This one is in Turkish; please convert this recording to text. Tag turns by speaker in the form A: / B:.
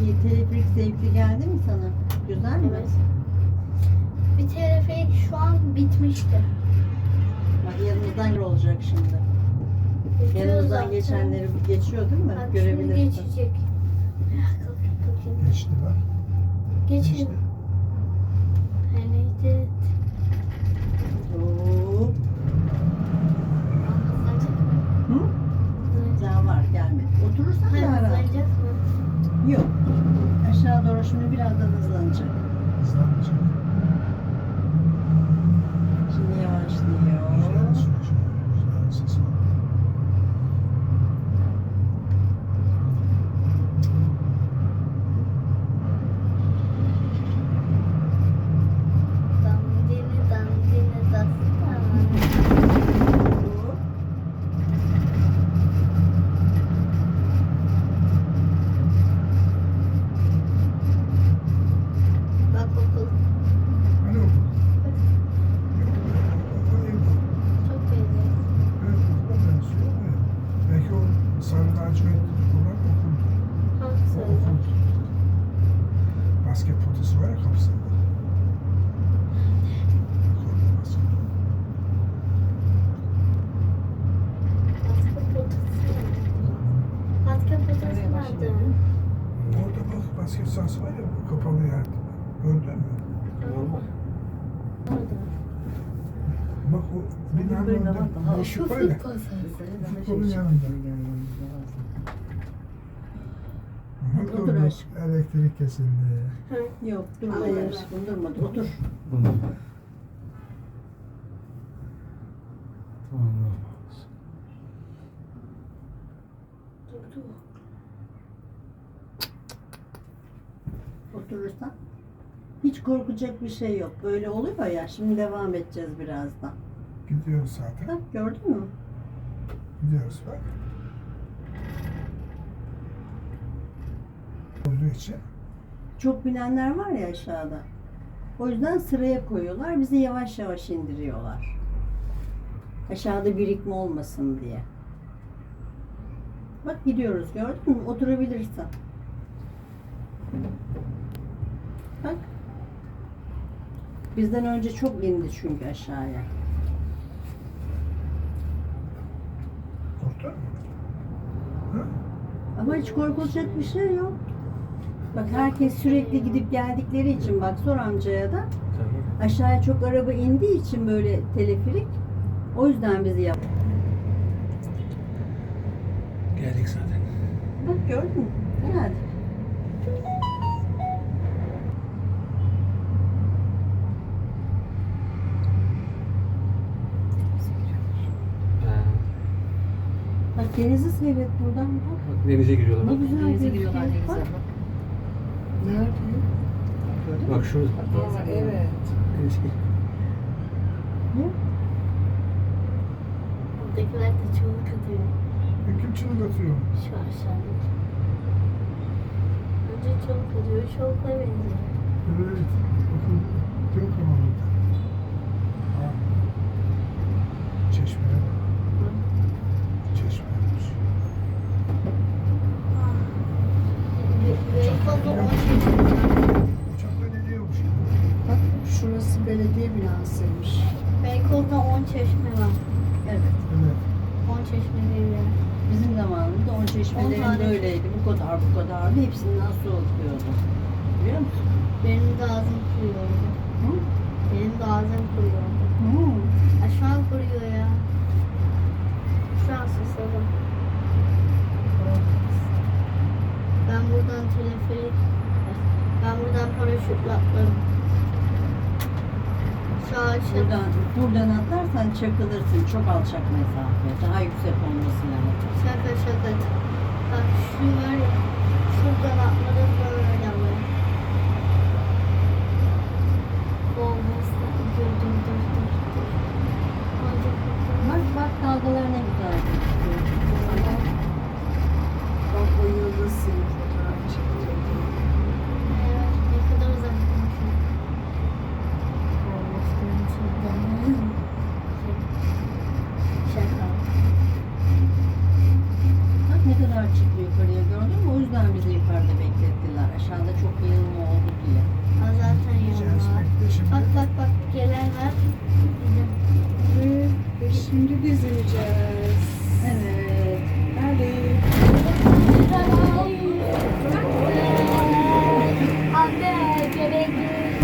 A: teleferik zevkli geldi mi sana? Güzel mi?
B: Evet. Bir teleferik şu an bitmişti.
A: Bak yanımızdan olacak şimdi.
B: Bitiyor
A: Yanımızdan
B: zaten.
A: geçenleri geçiyor değil mi?
B: Bak şimdi
A: Görebilirsin.
B: geçecek. Bakayım.
C: Geçti bak.
B: Geçin.
C: Geçti.
B: Neydi?
A: Hop.
B: Hızlanacak mı?
A: Hı? Daha var gelmedi. Oturursan
B: Hayır,
A: daha rahat.
B: hızlanacak mı?
A: Yok. Aşağı doğru şimdi birazdan hızlanacak.
C: Hızlanmayacak.
A: Şimdi yavaşlıyor.
C: Güzel sürüyor. Güzel ses var.
B: Dandini dandini dastana.
A: Hop.
B: Bak okul.
C: Hani okul? Yok. O evde.
B: Çok benziyor.
C: Evet okula benziyor. Evet. Belki o sarı lacivertli olan okuldu.
B: Hangisi
C: O
B: öyle?
C: okuldu. Basket potası var ya kapısında. Orada basket.
B: Basket potası. Basket potası nerede?
C: Orada bak basket sahası var ya kapalı yerde. Gördün mü?
B: Orada.
C: Bak o binanın
A: Böyle
C: önünde
A: bak, daha
C: boşluk var ya. Futbolun yanında. Aha,
A: Otur
C: durdu.
A: aşkım.
C: Elektrik kesildi.
A: Yok durma
B: Hayır.
A: aşkım durmadı. Otur.
B: Durdu.
A: Oturursan. Hiç korkacak bir şey yok. Böyle oluyor ya. Şimdi devam edeceğiz birazdan.
C: Gidiyoruz zaten.
A: Bak gördün mü?
C: Gidiyoruz bak. Olduğu için
A: Çok binenler var ya aşağıda. O yüzden sıraya koyuyorlar. Bizi yavaş yavaş indiriyorlar. Aşağıda birikme olmasın diye. Bak gidiyoruz gördün mü? Oturabilirsin. Bak. Bizden önce çok indi çünkü aşağıya.
C: korktun mu? Hı?
A: Ama hiç korkulacak bir şey yok. Bak herkes sürekli gidip geldikleri için bak sor amcaya da aşağıya çok araba indiği için böyle teleferik o yüzden bizi yap.
C: Geldik zaten.
A: Bak gördün mü? Hadi. Bak denizi seyret buradan bak.
D: Denize giriyorlar.
A: Ne
D: Bak,
A: güzel
E: Denize
A: gözüküyor.
E: giriyorlar denize.
A: Bak.
E: Bak.
A: Nerede? Gördün mü?
D: bak şurada.
E: Aa, evet.
D: Denize gir.
A: Ne?
B: Buradakiler de çığlık atıyor.
C: Kim çığlık atıyor?
B: Şu aşağıda. Önce çığlık atıyor. Çığlıkla benziyor.
C: Evet. Bakın yok ama burada. Ha. Çeşmeye bak. Çeşme olmuş.
B: Beykoz'da 10
C: Uçakla geliyormuş.
A: Bak şurası belediye binasıymış.
B: Beykoz'da 10 çeşme var.
A: Evet.
C: Evet.
B: 10 çeşme diye bir yer.
A: Bizim zamanımızda on
B: 10
A: çeşmelerin
B: tane.
A: böyleydi. Bu kadar bu kadardı. Hepsinden su akıyordu. Biliyor musun?
B: Benim de ağzım kuruyordu.
A: Hı?
B: Benim de ağzım kuruyordu.
A: Hı.
B: Ha, şu an kuruyor ya. Şu an susadım. Ben buradan teleferik, ben buradan paraşütle atlarım. Şu ağaçta
A: Buradan atlarsan çakılırsın. Çok alçak mesafe. Daha yüksek olması lazım.
B: şaka. Bak şu var ya, şuradan atladım böyle ama. Olmazsa dur. Hadi bakalım.
A: Bak dalgalar ne güzel gözüküyor. Bak o yıldız seni fotoğraf çekiyor.
B: Evet, ne kadar uzakmışım. Olmuştum şuradan. Şaka.
A: Bak ne kadar çıktı yukarıya gördün mü? O yüzden bizi yukarıda bekledi.
D: biz ineceğiz.
A: Evet.